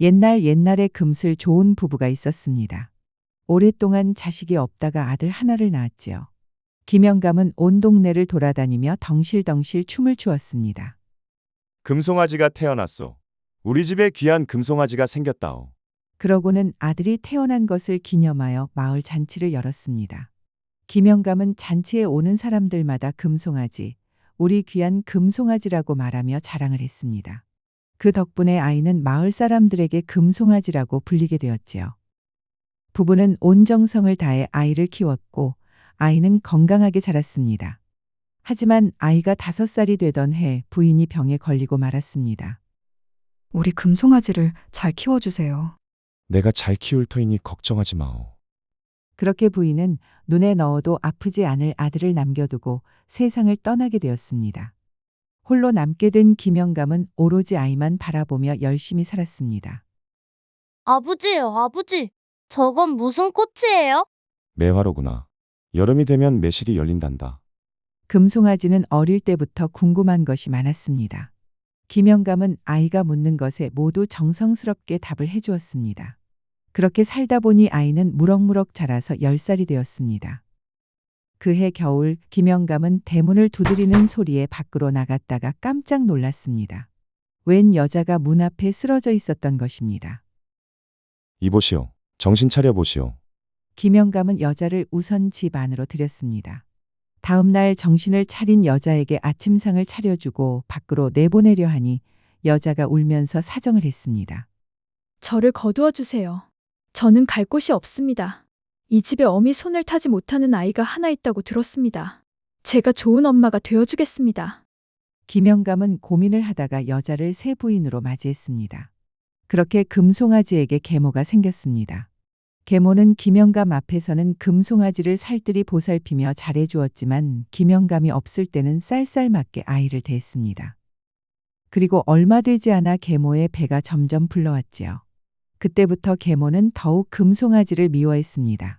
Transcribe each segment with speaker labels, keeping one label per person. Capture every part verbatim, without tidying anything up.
Speaker 1: 옛날 옛날에 금슬 좋은 부부가 있었습니다. 오랫동안 자식이 없다가 아들 하나를 낳았지요. 김영감은 온 동네를 돌아다니며 덩실덩실 춤을 추었습니다.
Speaker 2: 금송아지가 태어났소. 우리 집에 귀한 금송아지가 생겼다오.
Speaker 1: 그러고는 아들이 태어난 것을 기념하여 마을 잔치를 열었습니다. 김영감은 잔치에 오는 사람들마다 금송아지, 우리 귀한 금송아지라고 말하며 자랑을 했습니다. 그 덕분에 아이는 마을 사람들에게 금송아지라고 불리게 되었지요. 부부는 온 정성을 다해 아이를 키웠고 아이는 건강하게 자랐습니다. 하지만 아이가 다섯 살이 되던 해 부인이 병에 걸리고 말았습니다.
Speaker 3: 우리 금송아지를 잘 키워주세요.
Speaker 2: 내가 잘 키울 터이니 걱정하지 마오.
Speaker 1: 그렇게 부인은 눈에 넣어도 아프지 않을 아들을 남겨두고 세상을 떠나게 되었습니다. 홀로 남게 된 김영감은 오로지 아이만 바라보며 열심히 살았습니다.
Speaker 4: 아버지요, 아버지. 저건 무슨 꽃이에요?
Speaker 2: 매화로구나. 여름이 되면 매실이 열린단다.
Speaker 1: 금송아지는 어릴 때부터 궁금한 것이 많았습니다. 김영감은 아이가 묻는 것에 모두 정성스럽게 답을 해주었습니다. 그렇게 살다 보니 아이는 무럭무럭 자라서 열 살이 되었습니다. 그해 겨울 김영감은 대문을 두드리는 소리에 밖으로 나갔다가 깜짝 놀랐습니다. 웬 여자가 문 앞에 쓰러져 있었던 것입니다.
Speaker 2: 이보시오. 정신 차려 보시오.
Speaker 1: 김영감은 여자를 우선 집 안으로 들였습니다. 다음 날 정신을 차린 여자에게 아침상을 차려주고 밖으로 내보내려 하니 여자가 울면서 사정을 했습니다.
Speaker 5: 저를 거두어 주세요. 저는 갈 곳이 없습니다. 이 집에 어미 손을 타지 못하는 아이가 하나 있다고 들었습니다. 제가 좋은 엄마가 되어주겠습니다.
Speaker 1: 김영감은 고민을 하다가 여자를 새 부인으로 맞이했습니다. 그렇게 금송아지에게 계모가 생겼습니다. 계모는 김영감 앞에서는 금송아지를 살뜰히 보살피며 잘해주었지만 김영감이 없을 때는 쌀쌀맞게 아이를 대했습니다. 그리고 얼마 되지 않아 계모의 배가 점점 불러왔지요. 그때부터 계모는 더욱 금송아지를 미워했습니다.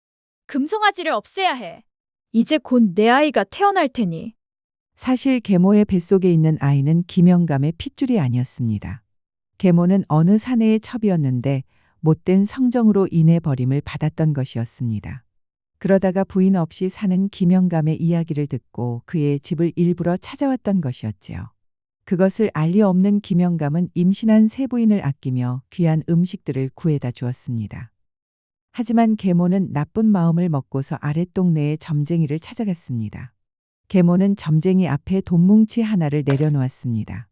Speaker 5: 금송아지를 없애야 해. 이제 곧 내 아이가 태어날 테니.
Speaker 1: 사실 계모의 뱃속에 있는 아이는 김영감의 핏줄이 아니었습니다. 계모는 어느 사내의 첩이었는데 못된 성정으로 인해 버림을 받았던 것이었습니다. 그러다가 부인 없이 사는 김영감의 이야기를 듣고 그의 집을 일부러 찾아왔던 것이었지요. 그것을 알리 없는 김영감은 임신한 새 부인을 아끼며 귀한 음식들을 구해다 주었습니다. 하지만 계모는 나쁜 마음을 먹고서 아랫동네의 점쟁이를 찾아갔습니다. 계모는 점쟁이 앞에 돈뭉치 하나를 내려놓았습니다.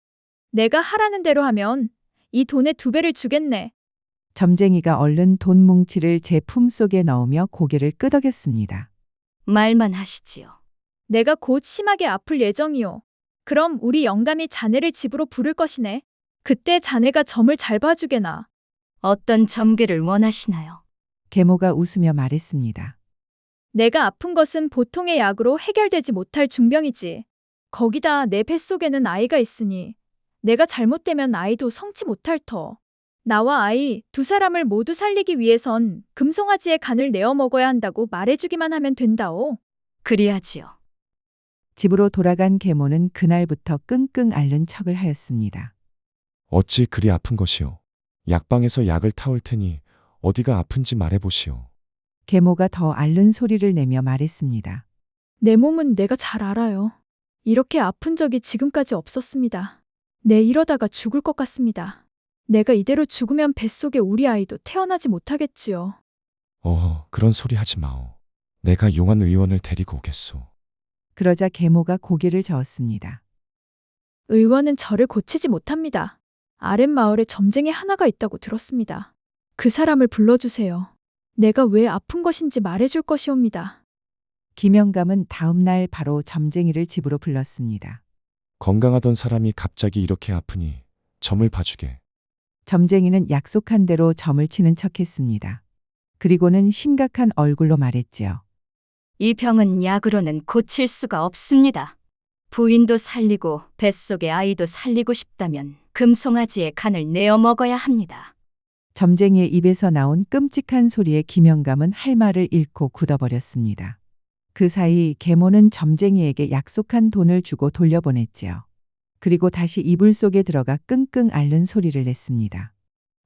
Speaker 5: 내가 하라는 대로 하면 이 돈의 두 배를 주겠네.
Speaker 1: 점쟁이가 얼른 돈뭉치를 제 품속에 넣으며 고개를 끄덕였습니다.
Speaker 4: 말만 하시지요.
Speaker 5: 내가 곧 심하게 아플 예정이요. 그럼 우리 영감이 자네를 집으로 부를 것이네. 그때 자네가 점을 잘 봐주게나.
Speaker 4: 어떤 점괘를 원하시나요?
Speaker 1: 계모가 웃으며 말했습니다.
Speaker 5: 내가 아픈 것은 보통의 약으로 해결되지 못할 중병이지. 거기다 내 뱃속에는 아이가 있으니 내가 잘못되면 아이도 성치 못할 터. 나와 아이 두 사람을 모두 살리기 위해선 금송아지의 간을 내어 먹어야 한다고 말해주기만 하면 된다오.
Speaker 4: 그리하지요.
Speaker 1: 집으로 돌아간 계모는 그날부터 끙끙 앓는 척을 하였습니다.
Speaker 2: 어찌 그리 아픈 것이오. 약방에서 약을 타올 테니 어디가 아픈지 말해보시오.
Speaker 1: 계모가 더 앓는 소리를 내며 말했습니다.
Speaker 5: 내 몸은 내가 잘 알아요. 이렇게 아픈 적이 지금까지 없었습니다. 내 이러다가 죽을 것 같습니다. 내가 이대로 죽으면 뱃속에 우리 아이도 태어나지 못하겠지요.
Speaker 2: 어, 그런 소리 하지 마오. 내가 용한 의원을 데리고 오겠소.
Speaker 1: 그러자 계모가 고개를 저었습니다.
Speaker 5: 의원은 저를 고치지 못합니다. 아랫마을에 점쟁이 하나가 있다고 들었습니다. 그 사람을 불러주세요. 내가 왜 아픈 것인지 말해줄 것이옵니다.
Speaker 1: 김영감은 다음 날 바로 점쟁이를 집으로 불렀습니다.
Speaker 2: 건강하던 사람이 갑자기 이렇게 아프니 점을 봐주게.
Speaker 1: 점쟁이는 약속한 대로 점을 치는 척했습니다. 그리고는 심각한 얼굴로 말했지요.
Speaker 4: 이 병은 약으로는 고칠 수가 없습니다. 부인도 살리고 뱃속의 아이도 살리고 싶다면 금송아지의 간을 내어 먹어야 합니다.
Speaker 1: 점쟁이의 입에서 나온 끔찍한 소리에 김영감은 할 말을 잃고 굳어버렸습니다. 그 사이 계모는 점쟁이에게 약속한 돈을 주고 돌려보냈지요. 그리고 다시 이불 속에 들어가 끙끙 앓는 소리를 냈습니다.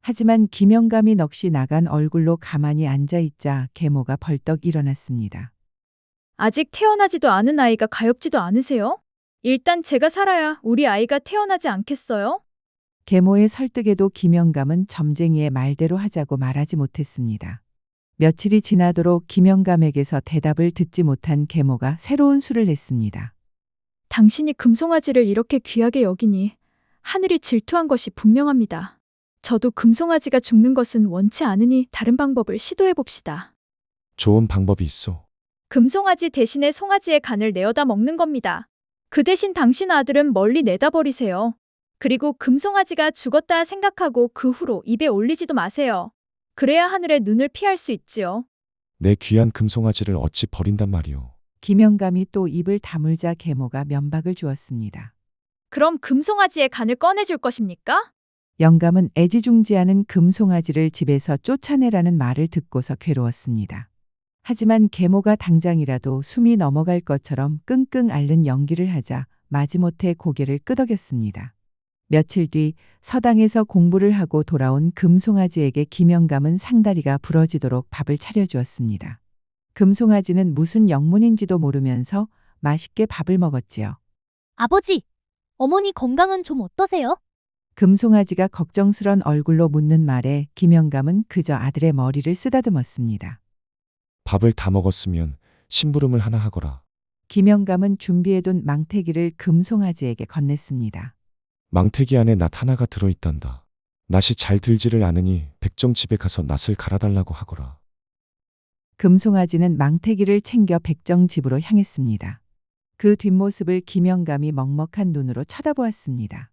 Speaker 1: 하지만 김영감이 넋이 나간 얼굴로 가만히 앉아 있자 계모가 벌떡 일어났습니다.
Speaker 5: 아직 태어나지도 않은 아이가 가엾지도 않으세요? 일단 제가 살아야 우리 아이가 태어나지 않겠어요?
Speaker 1: 계모의 설득에도 김영감은 점쟁이의 말대로 하자고 말하지 못했습니다. 며칠이 지나도록 김영감에게서 대답을 듣지 못한 계모가 새로운 수를 냈습니다.
Speaker 5: 당신이 금송아지를 이렇게 귀하게 여기니 하늘이 질투한 것이 분명합니다. 저도 금송아지가 죽는 것은 원치 않으니 다른 방법을 시도해 봅시다.
Speaker 2: 좋은 방법이 있어.
Speaker 5: 금송아지 대신에 송아지의 간을 내어다 먹는 겁니다. 그 대신 당신 아들은 멀리 내다 버리세요. 그리고 금송아지가 죽었다 생각하고 그 후로 입에 올리지도 마세요. 그래야 하늘의 눈을 피할 수 있지요.
Speaker 2: 내 귀한 금송아지를 어찌 버린단 말이오.
Speaker 1: 김영감이 또 입을 다물자 계모가 면박을 주었습니다.
Speaker 5: 그럼 금송아지의 간을 꺼내줄 것입니까?
Speaker 1: 영감은 애지중지하는 금송아지를 집에서 쫓아내라는 말을 듣고서 괴로웠습니다. 하지만 계모가 당장이라도 숨이 넘어갈 것처럼 끙끙 앓는 연기를 하자 마지못해 고개를 끄덕였습니다. 며칠 뒤 서당에서 공부를 하고 돌아온 금송아지에게 김영감은 상다리가 부러지도록 밥을 차려주었습니다. 금송아지는 무슨 영문인지도 모르면서 맛있게 밥을 먹었지요.
Speaker 6: 아버지, 어머니 건강은 좀 어떠세요?
Speaker 1: 금송아지가 걱정스런 얼굴로 묻는 말에 김영감은 그저 아들의 머리를 쓰다듬었습니다.
Speaker 2: 밥을 다 먹었으면 심부름을 하나 하거라.
Speaker 1: 김영감은 준비해둔 망태기를 금송아지에게 건넸습니다.
Speaker 2: 망태기 안에 낫 하나가 들어있단다. 낫이 잘 들지를 않으니 백정 집에 가서 낫을 갈아달라고 하거라.
Speaker 1: 금송아지는 망태기를 챙겨 백정 집으로 향했습니다. 그 뒷모습을 김영감이 먹먹한 눈으로 쳐다보았습니다.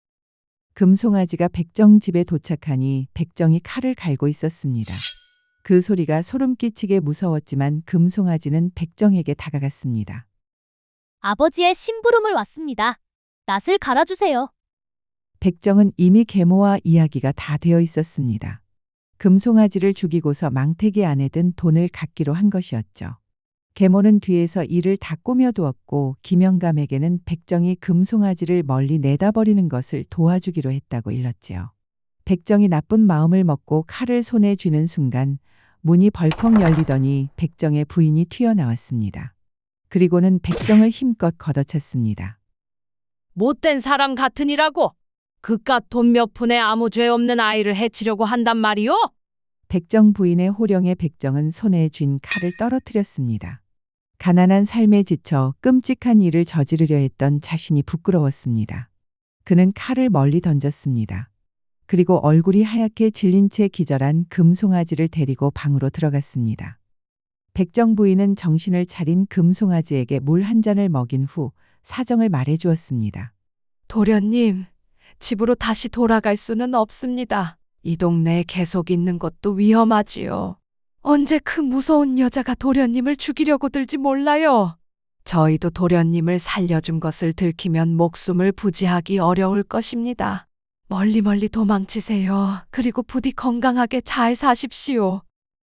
Speaker 1: 금송아지가 백정 집에 도착하니 백정이 칼을 갈고 있었습니다. 그 소리가 소름 끼치게 무서웠지만 금송아지는 백정에게 다가갔습니다.
Speaker 6: 아버지의 심부름을 왔습니다. 낫을 갈아주세요.
Speaker 1: 백정은 이미 계모와 이야기가 다 되어 있었습니다. 금송아지를 죽이고서 망태기 안에 든 돈을 갖기로 한 것이었죠. 계모는 뒤에서 이를 다 꾸며두었고 김영감에게는 백정이 금송아지를 멀리 내다버리는 것을 도와주기로 했다고 일렀지요. 백정이 나쁜 마음을 먹고 칼을 손에 쥐는 순간 문이 벌컥 열리더니 백정의 부인이 튀어나왔습니다. 그리고는 백정을 힘껏 걷어찼습니다.
Speaker 7: 못된 사람 같으니라고 그깟 돈 몇 푼에 아무 죄 없는 아이를 해치려고 한단 말이오?
Speaker 1: 백정 부인의 호령에 백정은 손에 쥔 칼을 떨어뜨렸습니다. 가난한 삶에 지쳐 끔찍한 일을 저지르려 했던 자신이 부끄러웠습니다. 그는 칼을 멀리 던졌습니다. 그리고 얼굴이 하얗게 질린 채 기절한 금송아지를 데리고 방으로 들어갔습니다. 백정 부인은 정신을 차린 금송아지에게 물 한 잔을 먹인 후 사정을 말해 주었습니다.
Speaker 7: 도련님, 집으로 다시 돌아갈 수는 없습니다. 이 동네에 계속 있는 것도 위험하지요. 언제 그 무서운 여자가 도련님을 죽이려고 들지 몰라요. 저희도 도련님을 살려준 것을 들키면 목숨을 부지하기 어려울 것입니다. 멀리 멀리 도망치세요. 그리고 부디 건강하게 잘 사십시오.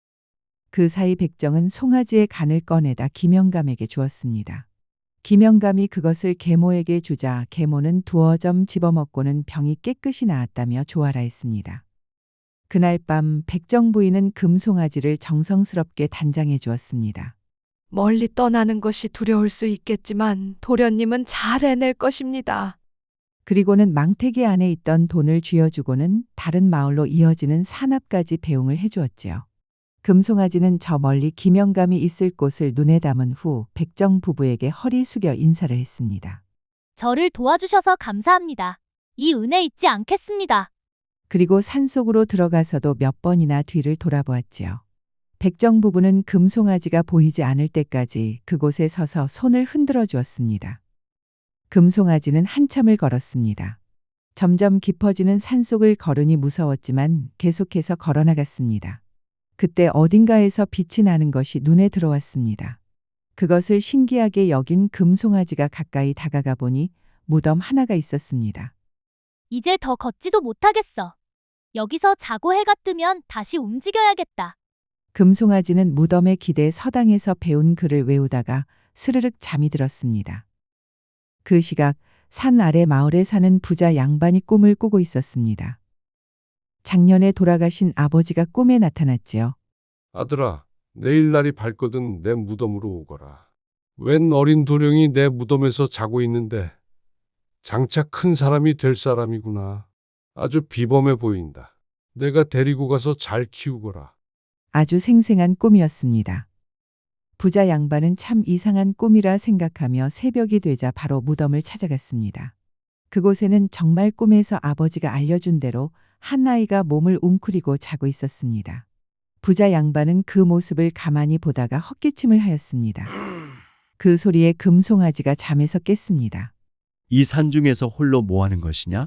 Speaker 1: 그 사이 백정은 송아지의 간을 꺼내다 김영감에게 주었습니다. 김영감이 그것을 계모에게 주자 계모는 두어 점 집어먹고는 병이 깨끗이 나았다며 좋아라 했습니다. 그날 밤 백정 부인은 금송아지를 정성스럽게 단장해 주었습니다.
Speaker 7: 멀리 떠나는 것이 두려울 수 있겠지만 도련님은 잘 해낼 것입니다.
Speaker 1: 그리고는 망태기 안에 있던 돈을 쥐어주고는 다른 마을로 이어지는 산앞까지 배웅을 해주었지요. 금송아지는 저 멀리 김영감이 있을 곳을 눈에 담은 후 백정 부부에게 허리 숙여 인사를 했습니다.
Speaker 6: 저를 도와주셔서 감사합니다. 이 은혜 잊지 않겠습니다.
Speaker 1: 그리고 산속으로 들어가서도 몇 번이나 뒤를 돌아보았지요. 백정 부부는 금송아지가 보이지 않을 때까지 그곳에 서서 손을 흔들어 주었습니다. 금송아지는 한참을 걸었습니다. 점점 깊어지는 산속을 걸으니 무서웠지만 계속해서 걸어나갔습니다. 그때 어딘가에서 빛이 나는 것이 눈에 들어왔습니다. 그것을 신기하게 여긴 금송아지가 가까이 다가가 보니 무덤 하나가 있었습니다.
Speaker 6: 이제 더 걷지도 못하겠어. 여기서 자고 해가 뜨면 다시 움직여야겠다.
Speaker 1: 금송아지는 무덤에 기대 서당에서 배운 글을 외우다가 스르륵 잠이 들었습니다. 그 시각 산 아래 마을에 사는 부자 양반이 꿈을 꾸고 있었습니다. 작년에 돌아가신 아버지가 꿈에 나타났지요.
Speaker 8: 아들아, 내일 날이 밝거든 내 무덤으로 오거라. 웬 어린 도령이 내 무덤에서 자고 있는데 장차 큰 사람이 될 사람이구나. 아주 비범해 보인다. 내가 데리고 가서 잘 키우거라.
Speaker 1: 아주 생생한 꿈이었습니다. 부자 양반은 참 이상한 꿈이라 생각하며 새벽이 되자 바로 무덤을 찾아갔습니다. 그곳에는 정말 꿈에서 아버지가 알려준 대로 한 아이가 몸을 웅크리고 자고 있었습니다. 부자 양반은 그 모습을 가만히 보다가 헛기침을 하였습니다. 그 소리에 금송아지가 잠에서 깼습니다.
Speaker 9: 이 산중에서 홀로 뭐 하는 것이냐?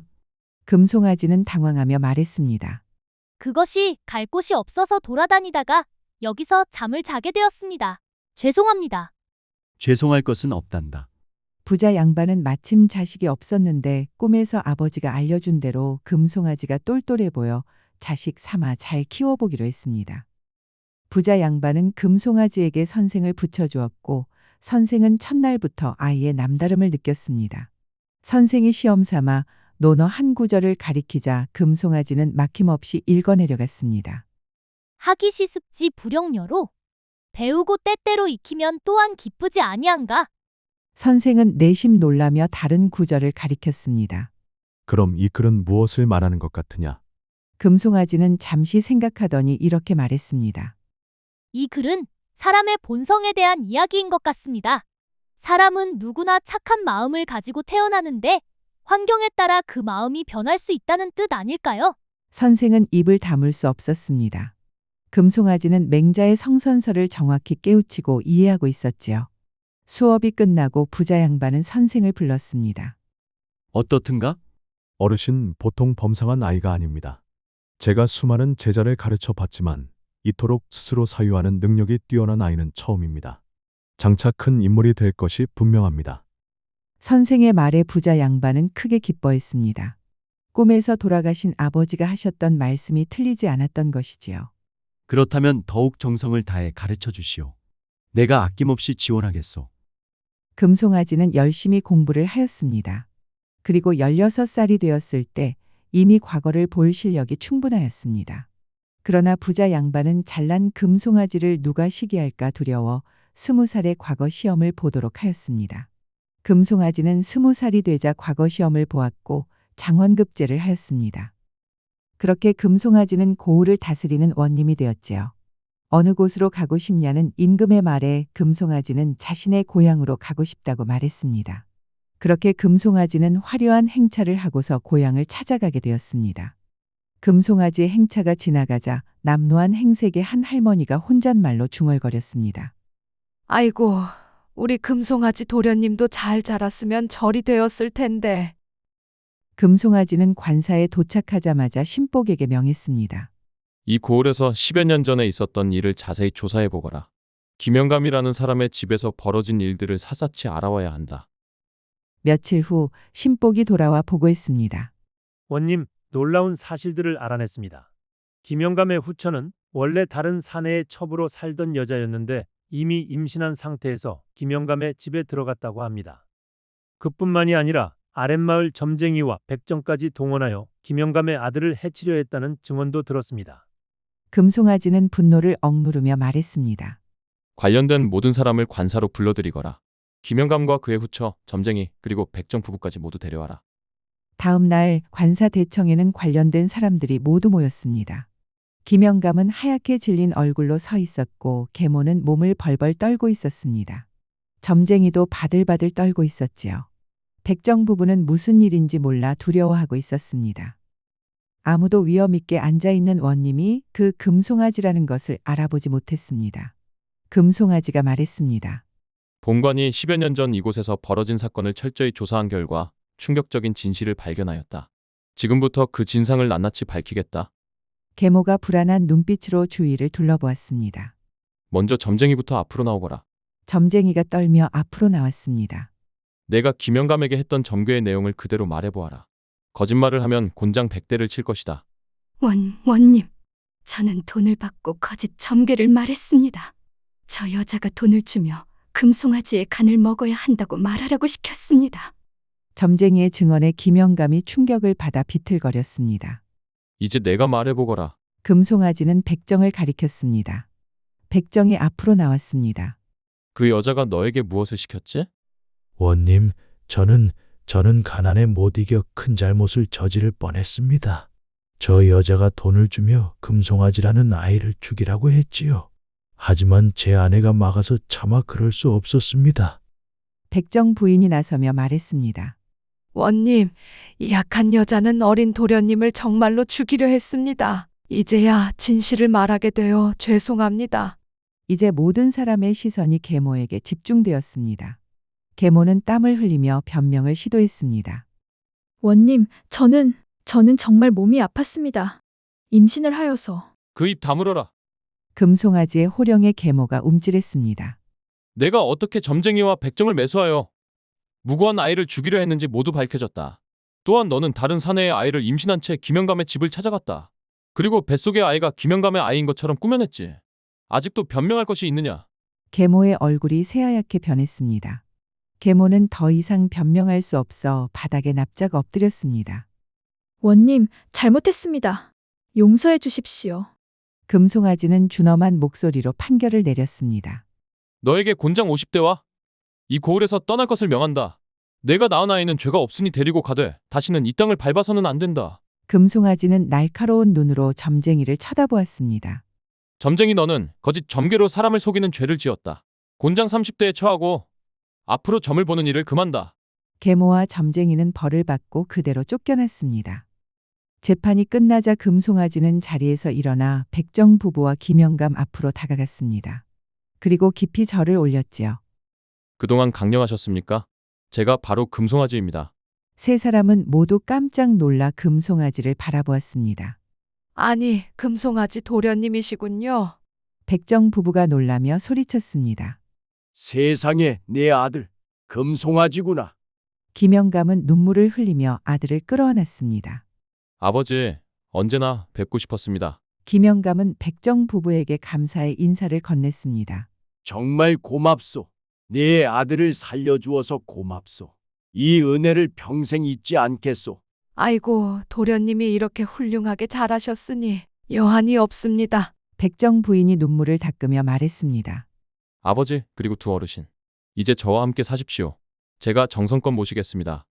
Speaker 1: 금송아지는 당황하며 말했습니다.
Speaker 6: 그것이 갈 곳이 없어서 돌아다니다가 여기서 잠을 자게 되었습니다. 죄송합니다.
Speaker 9: 죄송할 것은 없단다.
Speaker 1: 부자 양반은 마침 자식이 없었는데 꿈에서 아버지가 알려준 대로 금송아지가 똘똘해 보여 자식 삼아 잘 키워보기로 했습니다. 부자 양반은 금송아지에게 선생을 붙여주었고 선생은 첫날부터 아이의 남다름을 느꼈습니다. 선생이 시험 삼아 논어 한 구절을 가리키자 금송아지는 막힘없이 읽어내려갔습니다.
Speaker 6: 하기시 습지 불영녀로 배우고 때때로 익히면 또한 기쁘지 아니한가?
Speaker 1: 선생은 내심 놀라며 다른 구절을 가리켰습니다.
Speaker 10: 그럼 이 글은 무엇을 말하는 것 같으냐?
Speaker 1: 금송아지는 잠시 생각하더니 이렇게 말했습니다.
Speaker 6: 이 글은 사람의 본성에 대한 이야기인 것 같습니다. 사람은 누구나 착한 마음을 가지고 태어나는데 환경에 따라 그 마음이 변할 수 있다는 뜻 아닐까요?
Speaker 1: 선생은 입을 다물 수 없었습니다. 금송아지는 맹자의 성선설을 정확히 깨우치고 이해하고 있었지요. 수업이 끝나고 부자 양반은 선생을 불렀습니다.
Speaker 9: 어떻든가?
Speaker 10: 어르신, 보통 범상한 아이가 아닙니다. 제가 수많은 제자를 가르쳐 봤지만 이토록 스스로 사유하는 능력이 뛰어난 아이는 처음입니다. 장차 큰 인물이 될 것이 분명합니다.
Speaker 1: 선생의 말에 부자 양반은 크게 기뻐했습니다. 꿈에서 돌아가신 아버지가 하셨던 말씀이 틀리지 않았던 것이지요.
Speaker 9: 그렇다면 더욱 정성을 다해 가르쳐 주시오. 내가 아낌없이 지원하겠소.
Speaker 1: 금송아지는 열심히 공부를 하였습니다. 그리고 열여섯 살이 되었을 때 이미 과거를 볼 실력이 충분하였습니다. 그러나 부자 양반은 잘난 금송아지를 누가 시기할까 두려워 스무 살의 과거 시험을 보도록 하였습니다. 금송아지는 스무 살이 되자 과거 시험을 보았고 장원급제를 하였습니다. 그렇게 금송아지는 고을을 다스리는 원님이 되었지요. 어느 곳으로 가고 싶냐는 임금의 말에 금송아지는 자신의 고향으로 가고 싶다고 말했습니다. 그렇게 금송아지는 화려한 행차를 하고서 고향을 찾아가게 되었습니다. 금송아지의 행차가 지나가자 남노한 행색의 한 할머니가 혼잣말로 중얼거렸습니다.
Speaker 7: 아이고, 우리 금송아지 도련님도 잘 자랐으면 절이 되었을 텐데.
Speaker 1: 금송아지는 관사에 도착하자마자 신복에게 명했습니다.
Speaker 11: 이 고을에서 십여 년 전에 있었던 일을 자세히 조사해 보거라. 김영감이라는 사람의 집에서 벌어진 일들을 샅샅이 알아와야 한다.
Speaker 1: 며칠 후 신복이 돌아와 보고했습니다.
Speaker 12: 원님, 놀라운 사실들을 알아냈습니다. 김영감의 후처는 원래 다른 사내의 첩으로 살던 여자였는데 이미 임신한 상태에서 김영감의 집에 들어갔다고 합니다. 그뿐만이 아니라 아랫마을 점쟁이와 백정까지 동원하여 김영감의 아들을 해치려 했다는 증언도 들었습니다.
Speaker 1: 금송아지는 분노를 억누르며 말했습니다.
Speaker 11: 관련된 모든 사람을 관사로 불러들이거라. 김영감과 그의 후처, 점쟁이, 그리고 백정 부부까지 모두 데려와라.
Speaker 1: 다음 날 관사 대청에는 관련된 사람들이 모두 모였습니다. 김영감은 하얗게 질린 얼굴로 서 있었고 계모는 몸을 벌벌 떨고 있었습니다. 점쟁이도 바들바들 떨고 있었지요. 백정 부부는 무슨 일인지 몰라 두려워하고 있었습니다. 아무도 위험 있게 앉아있는 원님이 그 금송아지라는 것을 알아보지 못했습니다. 금송아지가 말했습니다.
Speaker 11: 본관이 십여 년 전 이곳에서 벌어진 사건을 철저히 조사한 결과 충격적인 진실을 발견하였다. 지금부터 그 진상을 낱낱이 밝히겠다.
Speaker 1: 계모가 불안한 눈빛으로 주위를 둘러보았습니다.
Speaker 11: 먼저 점쟁이부터 앞으로 나오거라.
Speaker 1: 점쟁이가 떨며 앞으로 나왔습니다.
Speaker 11: 내가 김영감에게 했던 점괘의 내용을 그대로 말해보아라. 거짓말을 하면 곤장 백 대를 칠 것이다.
Speaker 4: 원, 원님, 저는 돈을 받고 거짓 점괘를 말했습니다. 저 여자가 돈을 주며 금송아지의 간을 먹어야 한다고 말하라고 시켰습니다.
Speaker 1: 점쟁이의 증언에 김영감이 충격을 받아 비틀거렸습니다.
Speaker 11: 이제 내가 말해보거라.
Speaker 1: 금송아지는 백정을 가리켰습니다. 백정이 앞으로 나왔습니다.
Speaker 11: 그 여자가 너에게 무엇을 시켰지?
Speaker 13: 원님, 저는 저는 가난에 못 이겨 큰 잘못을 저지를 뻔했습니다. 저 여자가 돈을 주며 금송아지라는 아이를 죽이라고 했지요. 하지만 제 아내가 막아서 차마 그럴 수 없었습니다.
Speaker 1: 백정 부인이 나서며 말했습니다.
Speaker 7: 원님, 이 약한 여자는 어린 도련님을 정말로 죽이려 했습니다. 이제야 진실을 말하게 되어 죄송합니다.
Speaker 1: 이제 모든 사람의 시선이 계모에게 집중되었습니다. 계모는 땀을 흘리며 변명을 시도했습니다.
Speaker 5: 원님, 저는, 저는 정말 몸이 아팠습니다. 임신을 하여서.
Speaker 11: 그 입 다물어라.
Speaker 1: 금송아지의 호령에 계모가 움찔했습니다.
Speaker 11: 내가 어떻게 점쟁이와 백정을 매수하여 무고한 아이를 죽이려 했는지 모두 밝혀졌다. 또한 너는 다른 사내의 아이를 임신한 채 김영감의 집을 찾아갔다. 그리고 뱃속의 아이가 김영감의 아이인 것처럼 꾸며냈지. 아직도 변명할 것이 있느냐?
Speaker 1: 계모의 얼굴이 새하얗게 변했습니다. 계모는 더 이상 변명할 수 없어 바닥에 납작 엎드렸습니다.
Speaker 5: 원님, 잘못했습니다. 용서해 주십시오.
Speaker 1: 금송아지는 준엄한 목소리로 판결을 내렸습니다.
Speaker 11: 너에게 곤장 오십 대와 이 고을에서 떠날 것을 명한다. 내가 낳은 아이는 죄가 없으니 데리고 가되 다시는 이 땅을 밟아서는 안 된다.
Speaker 1: 금송아지는 날카로운 눈으로 점쟁이를 쳐다보았습니다.
Speaker 11: 점쟁이 너는 거짓 점괘로 사람을 속이는 죄를 지었다. 곤장 삼십 대에 처하고 앞으로 점을 보는 일을 금한다.
Speaker 1: 계모와 점쟁이는 벌을 받고 그대로 쫓겨났습니다. 재판이 끝나자 금송아지는 자리에서 일어나 백정 부부와 김영감 앞으로 다가갔습니다. 그리고 깊이 절을 올렸지요.
Speaker 11: 그동안 강령하셨습니까? 제가 바로 금송아지입니다.
Speaker 1: 세 사람은 모두 깜짝 놀라 금송아지를 바라보았습니다.
Speaker 7: 아니, 금송아지 도련님이시군요.
Speaker 1: 백정 부부가 놀라며 소리쳤습니다.
Speaker 13: 세상에, 내 아들 금송아지구나.
Speaker 1: 김영감은 눈물을 흘리며 아들을 끌어안았습니다.
Speaker 11: 아버지, 언제나 뵙고 싶었습니다.
Speaker 1: 김영감은 백정 부부에게 감사의 인사를 건넸습니다.
Speaker 13: 정말 고맙소. 내 아들을 살려주어서 고맙소. 이 은혜를 평생 잊지 않겠소.
Speaker 7: 아이고, 도련님이 이렇게 훌륭하게 잘하셨으니 여한이 없습니다.
Speaker 1: 백정 부인이 눈물을 닦으며 말했습니다.
Speaker 11: 아버지, 그리고 두 어르신. 이제 저와 함께 사십시오. 제가 정성껏 모시겠습니다.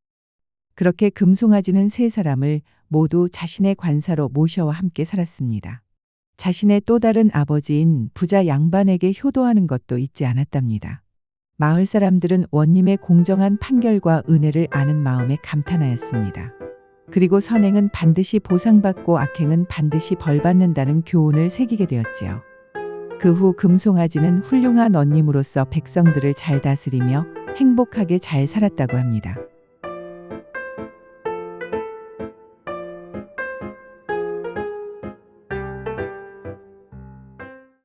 Speaker 1: 그렇게 금송아지는 세 사람을 모두 자신의 관사로 모셔와 함께 살았습니다. 자신의 또 다른 아버지인 부자 양반에게 효도하는 것도 잊지 않았답니다. 마을 사람들은 원님의 공정한 판결과 은혜를 아는 마음에 감탄하였습니다. 그리고 선행은 반드시 보상받고 악행은 반드시 벌받는다는 교훈을 새기게 되었지요. 그 후 금송아지는 훌륭한 원님으로서 백성들을 잘 다스리며 행복하게 잘 살았다고 합니다.